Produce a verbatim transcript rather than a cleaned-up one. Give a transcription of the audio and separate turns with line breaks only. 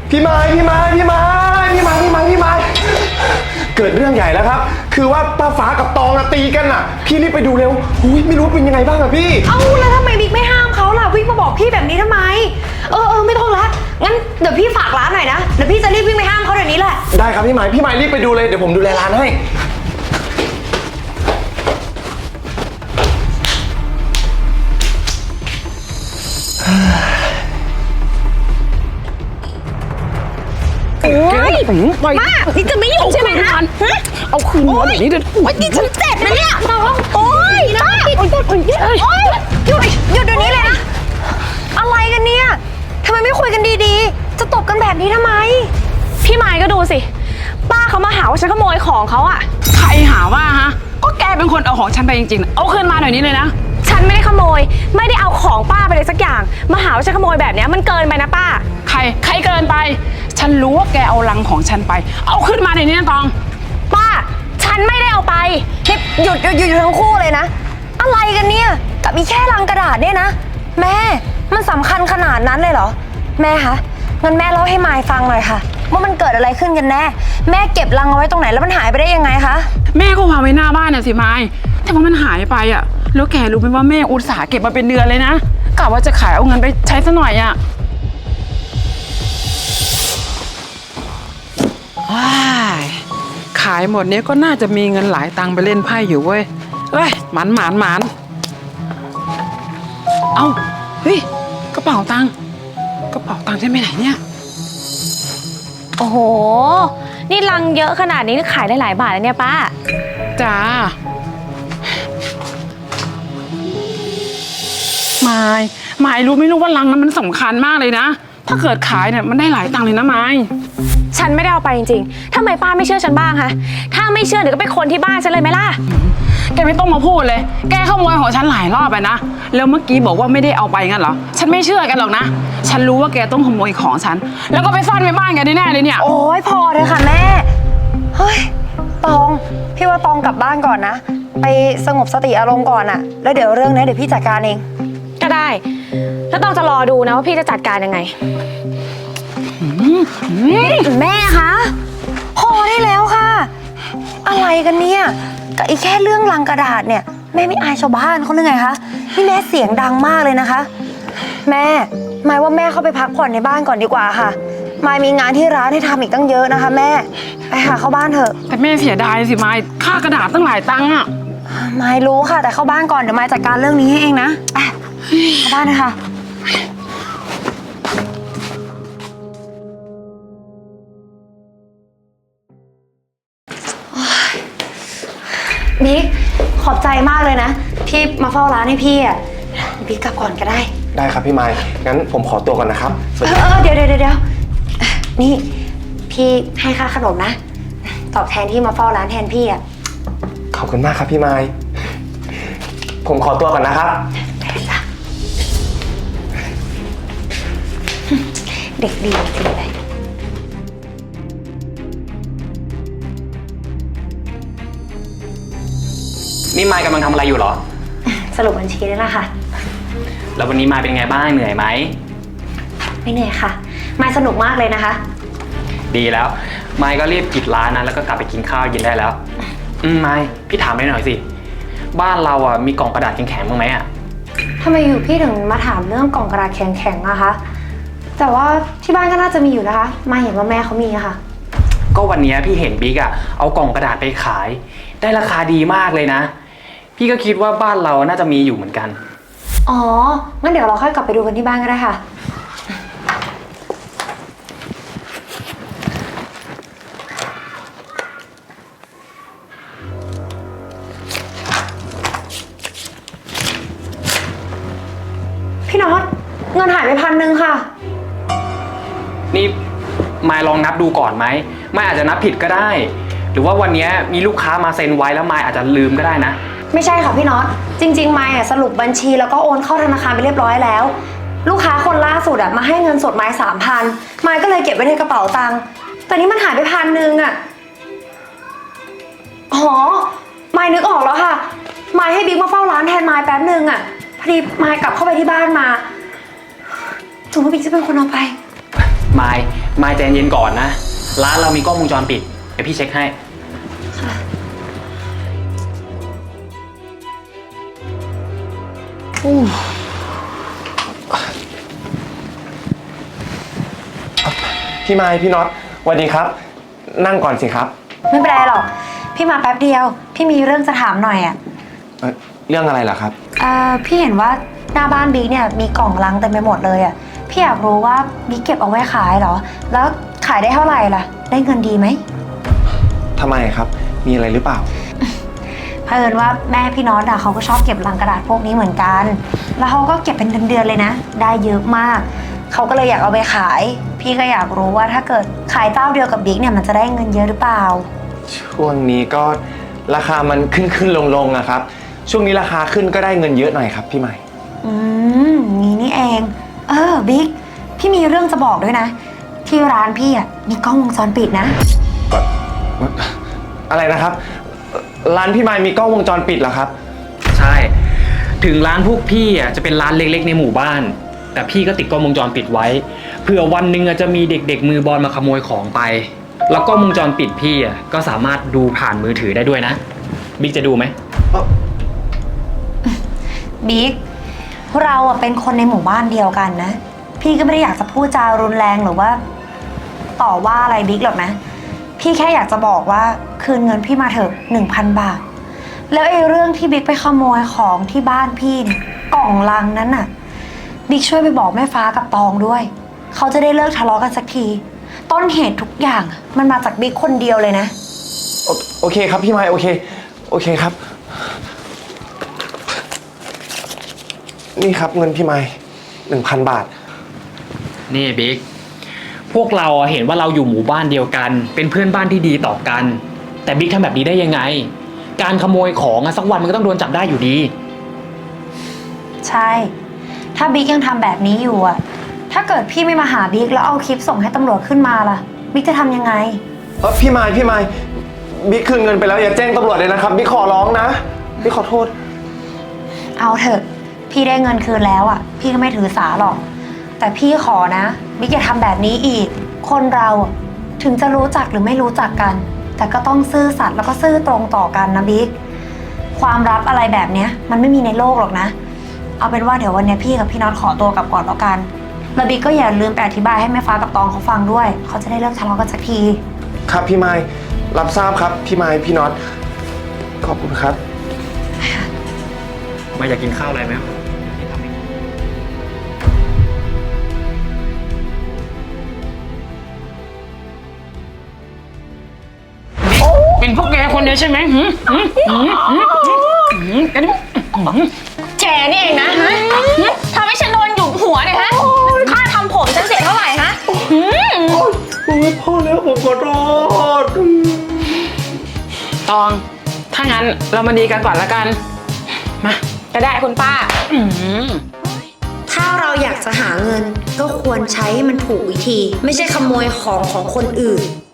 พี่ไม้พี่ไม้พี่ไม้พี่ไม้พี่ไม้พี่ไม้เกิดเรื่องใหญ่แล้วครับคือว่าป้าฟ้ากับตองตีกันอ่ะพี่รีบไปดูเร็วอุ้ยไม่รู้เป็นยังไงบ้างอะพี่
เอ้าแล้วทำไมบิ๊กไม่ห้ามเขาล่ะวิ่งมาบอกพี่แบบนี้ทำไมเออเออไม่ต้องละงั้นเดี๋ยวพี่ฝากร้านหน่อยนะเดี๋ยวพี่จะรีบวิ่งไปห้ามเขาเดี๋ยวนี้แหละ
ได้ครับพี่ไม้พี่ไม้รีบไปดูเลยเดี๋ยวผมดูแลร้านให้
โอ้ยมานี่จะไม่หยุดใช่ไหมคะ
เอาคืนมาเดี๋ยวนี้เดี๋ยว
โอ้ยนี่ฉันเจ็บนะเนี่ยน้องโอ้ยนะโอ้ยโอ้ยโอ้ยหยุดหยุดเดี๋ยวนี้เลยนะอะไรกันเนี่ยทำไมไม่คุยกันดีๆจะตบกันแบบนี้ทำไม
พี่ไม้ก็ดูสิป้าเขามาหาว่าฉันขโมยของเขาอะ
ใครหาว่าฮะก็แกเป็นคนเอาของฉันไปจริงๆเอาคืนมาหน่อยนี้เลยนะ
ฉันไม่ได้ขโมยไม่ได้เอาของป้าไปเลยสักอย่างมาหาว่าฉันขโมยแบบนี้มันเกินไปนะป้า
ใครใครเกินไปฉันรู้ว่าแกเอาลังของฉันไปเอาขึ้นมาหน่อยนี้นะตอง
ป้าฉันไม่ได้เอาไป
หยุดหยุดหยุดหยุดทั้งคู่เลยนะอะไรกันเนี่ยกับมีแค่ลังกระดาษเนี่ยนะแม่มันสำคัญขนาดนั้นเลยเหรอแม่คะงั้นแม่เล่าให้มายฟังหน่อยค่ะว่ามันเกิดอะไรขึ้นกันแน่แม่เก็บลังเอาไว้ตรงไหนแล้วมันหายไปได้ยังไงคะ
แม่ก็วางไว้หน้าบ้านน่ะสิไม้แต่ว่ามันหายไปอ่ะแล้วแกรู้ไหมว่าแม่อุตส่าห์เก็บมาเป็นเดือนเลยนะกะว่าจะขายเอาเงินไปใช้ซะหน่อยอ่ะว้ายขายหมดเนี้ยก็น่าจะมีเงินหลายตังค์ไปเล่นไพ่อยู่เว้ยเอ้ยหมันหมันหมันเอ้าเฮ้ยกระเป๋าตังค์กระเป๋าตังค์ฉันไปไหนเนี่ย
โอ้โหนี่ลังเยอะขนาดนี้ขายได้หลายบาทเลยเนี่ยป้า
จ้าไม้ไม้รู้ไม่รู้ว่าลังนั้นมันสำคัญมากเลยนะถ้าเกิดขายเนี่ยมันได้หลายตังค์เลยนะไม้
ฉันไม่ได้เอาไปจริงๆทำไมป้าไม่เชื่อฉันบ้างคะถ้าไม่เชื่อเดี๋ยวก็ไปคนที่บ้านฉันเลยไหมล่ะ
แกไม่ต้องมาพูดเลยแกขโมยของฉันหลายรอบไปนะแล้วเมื่อกี้บอกว่าไม่ได้เอาไปงั้นเหรอฉันไม่เชื่อกันหรอกนะฉันรู้ว่าแกต้องขโมยของฉันแล้วก็ไปซ่อนไว้บ้านแกแน่ๆเลยเนี่ย
โอ้ยพอเลยค่ะแม่เฮ้ยตองพี่ว่าตองกลับบ้านก่อนนะไปสงบสติอารมณ์ก่อนอะแล้วเดี๋ยวเรื่องนี้เดี๋ยวพี่จัดการเอง
ก็ได้แล้วต้องจะรอดูนะว่าพี่จะจัดการยังไง
แม่คะพอได้แล้วค่ะอะไรกันเนี่ยกับอีกแค่เรื่องลังกระดาษเนี่ยแม่ไม่อายชาวบ้านเขาหรือไงคะนี่แม่เสียงดังมากเลยนะคะแม่หมายว่าแม่เข้าไปพักผ่อนในบ้านก่อนดีกว่าค่ะมายมีงานที่ร้านให้ทำอีกตั้งเยอะนะคะแม่ไปหาเข้าบ้านเถอะ
แต่แม่เสียดายสิมายค่ากระดาษตั้งหลายตังค์อะ
มายรู้ค่ะแต่เข้าบ้านก่อนเดี๋ยวมายจัดการเรื่องนี้ให้เองนะไปเข้าบ้านนะคะบิ๊กขอบใจมากเลยนะที่มาเฝ้าร้านให้พี่อ่ะบิ๊กกลับก่อนก็ได้
ได้ครับพี่ไม้งั้นผมขอตัวก่อนนะครับ
เออเดี๋ยวเดี๋ยวเดี๋ยวนี่พี่ให้ค่าขนมนะตอบแทนที่มาเฝ้าร้านแทนพี่อ่ะ
ขอบคุณมากครับพี่ไม้ผมขอตัวก่อนนะครับ
เด็กดีจริงเลย
นี่มายกำลังทำอะไรอยู่เหรอ
สรุปบัญชีนี่แหละค่ะ
แล้ววันนี้มายเป็นไงบ้างเหนื่อยไหม
ไม่เหนื่อยค่ะมายสนุกมากเลยนะคะ
ดีแล้วมายก็รีบปิดร้านนะแล้วก็กลับไปกินข้าวเย็นได้แล้วอืมมายพี่ถามได้หน่อยสิบ้านเราอ่ะมีกล่องกระดาษแข็งๆบ้างไหมอ่ะ
ทำไมอยู่พี่ถึงมาถามเรื่องกล่องกระดาษแข็งๆอะคะแต่ว่าที่บ้านก็น่าจะมีอยู่นะคะมาเห็นว่าแม่เขามีอะค่ะ
ก็วันนี้พี่เห็นบิ๊กอ่ะเอากล่องกระดาษไปขายได้ราคาดีมากเลยนะพี่ก็คิดว่าบ้านเราน่าจะมีอยู่เหมือนกัน
อ๋องั้นเดี๋ยวเราค่อยกลับไปดูกันที่บ้านก็ได้ค่ะพี่น็อตเงินหายไปพันหนึ่งค่ะ
นี่มายลองนับดูก่อนไหมมายอาจจะนับผิดก็ได้หรือว่าวันนี้มีลูกค้ามาเซ็นไว้แล้วมายอาจจะลืมก็ได้นะ
ไม่ใช่ค่ะพี่น็อตจริงๆมายสรุปบัญชีแล้วก็โอนเข้าธนาคารไปเรียบร้อยแล้วลูกค้าคนล่าสุดอะมาให้เงินสดมายสามพันมายก็เลยเก็บไว้ในกระเป๋าตังค์แต่นี้มันหายไปพันหนึ่งอะอ๋อมายนึกออกแล้วค่ะมายให้บิ๊กมาเฝ้าร้านแทนมายแป๊บหนึ่งอะพอดีมายกลับเข้าไปที่บ้านมาถึงว่าบิ๊กจะเป็นคนเอาไป
มายมายใจเย็นก่อนนะ ร้านเรามีกล้องวงจรปิด เดี๋ยวพี่เช็คให้
พี่ไม้พี่น็อตสวัสดีครับ นั่งก่อนสิครับ
ไม่เป็นไรหรอก พี่มาแป๊บเดียว พี่มีเรื่องจะถามหน่อยอ่ะ
เอ่อเรื่องอะไรล่ะครับ
เอ่อพี่เห็นว่าหน้าบ้านบิ๊กเนี่ยมีกล่องลังเต็มไปหมดเลยอ่ะ พี่อยากรู้ว่าบิ๊กเก็บเอาไว้ขายเหรอ แล้วขายได้เท่าไหร่ล่ะ ได้เงินดีไหม
ทำไมครับ มีอะไรหรือเปล่า
เพิ่นว่าแม่พี่น็อตอะเขาก็ชอบเก็บลังกระดาษพวกนี้เหมือนกัน แล้วเขาก็เก็บเป็นเดือนๆเลยนะ ได้เยอะมาก เขาก็เลยอยากเอาไปขาย พี่ก็อยากรู้ว่าถ้าเกิดขายเจ้าเดียวกับบิ๊กเนี่ยมันจะได้เงินเยอะหรือเปล่า
ช่วงนี้ก็ราคามันขึ้นขึ้นลงลงอะครับ ช่วงนี้ราคาขึ้นก็ได้เงินเยอะหน่อยครับพี่ใหม่
อืมงี้นี่เอง เออบิ๊ก พี่มีเรื่องจะบอกด้วยนะ ที่ร้านพี่อะมีกล้องวงจรปิดนะ
อะไรนะครับ ร้านพี่ไม้มีกล้องวงจรปิดเหรอครับ
ใช่ ถึงร้านพวกพี่อ่ะจะเป็นร้านเล็กๆในหมู่บ้าน แต่พี่ก็ติดกล้องวงจรปิดไว้ เผื่อวันหนึ่งอ่ะจะมีเด็กๆมือบอลมาขโมยของไป แล้วกล้องวงจรปิดพี่อ่ะก็สามารถดูผ่านมือถือได้ด้วยนะ บิ๊กจะดูไหม
บิ๊ก เราอะเป็นคนในหมู่บ้านเดียวกันนะ พี่ก็ไม่ได้อยากจะพูดจารุนแรงหรือว่า ต่อว่าอะไรบิ๊กหรอกนะ พี่แค่อยากจะบอกว่าคืนเงินพี่มาเถอะหนึ่งพันบาท แล้วไอ้เรื่องที่บิ๊กไปขโมยของที่บ้านพี่เนี่ยกล่องลังนั้นน่ะ บิ๊กช่วยไปบอกแม่ฟ้ากับตองด้วย เขาจะได้เลิกทะเลาะกันสักที ต้นเหตุทุกอย่างอะมันมาจากบิ๊กคนเดียวเลยนะ
โอโอเคครับพี่ไม้โอเค โอเคครับ นี่ครับเงินพี่ไม้หนึ่งพันบาท
นี่บิ๊ก พวกเราอะเห็นว่าเราอยู่หมู่บ้านเดียวกัน เป็นเพื่อนบ้านที่ดีต่อกัน แต่บิ๊กทำแบบนี้ได้ยังไง การขโมยของอะสักวันมันก็ต้องโดนจับได้อยู่ดี
ใช่ ถ้าบิ๊กยังทำแบบนี้อยู่อะถ้าเกิดพี่ไม่มาหาบิ๊กแล้วเอาคลิปส่งให้ตำรวจขึ้นมาล่ะ บิ๊กจะทำยังไง
เออพี่ไม้พี่ไม้บิ๊กคืนเงินไปแล้วอย่าแจ้งตำรวจเลยนะครับบิ๊กขอร้องนะบิ๊กขอโทษ
เอาเถอะ พี่ได้เงินคืนแล้วอะพี่ก็ไม่ถือสาหรอก แต่พี่ขอนะ บิ๊กอย่าทำแบบนี้อีก คนเราอะถึงจะรู้จักหรือไม่รู้จักกัน แต่ก็ต้องซื่อสัตย์แล้วก็ซื่อตรงต่อกันนะบิ๊ก ความลับอะไรแบบเนี้ยมันไม่มีในโลกหรอกนะ เอาเป็นว่าเดี๋ยววันเนี้ยพี่กับพี่น็อตขอตัวกลับก่อนแล้วกันแล้วบิ๊กก็อย่าลืมไปอธิบายให้แม่ฟ้ากับตองเขาฟังด้วย เขาจะได้เลิกทะเลาะกันสักที
ครับพี่ไม้รับทราบครับพี่ไม้พี่น็อตขอบคุณครับ
มาอยากกินข้าวอะไรไหม
เป็นพวกแกคนเดียวใช่ไหมหืมหืมหืมหืมหืมกัน
แกนี่เองนะฮะทำให้ฉันโดนหยุมหัวเนี่ยฮะ ค่าทำผมฉันเสียเท่าไหร่ฮะหืม
โอ้ยพ่อแล้วผมขอโทษ
ตอง ถ้างั้นเรามาดีกันก่อนละกัน มา
ก็ได้คุณป้า
อืม
ถ้าเราอยากจะหาเงินก็ควรใช้ให้มันถูกวิธี ไม่ใช่ขโมยของของคนอื่น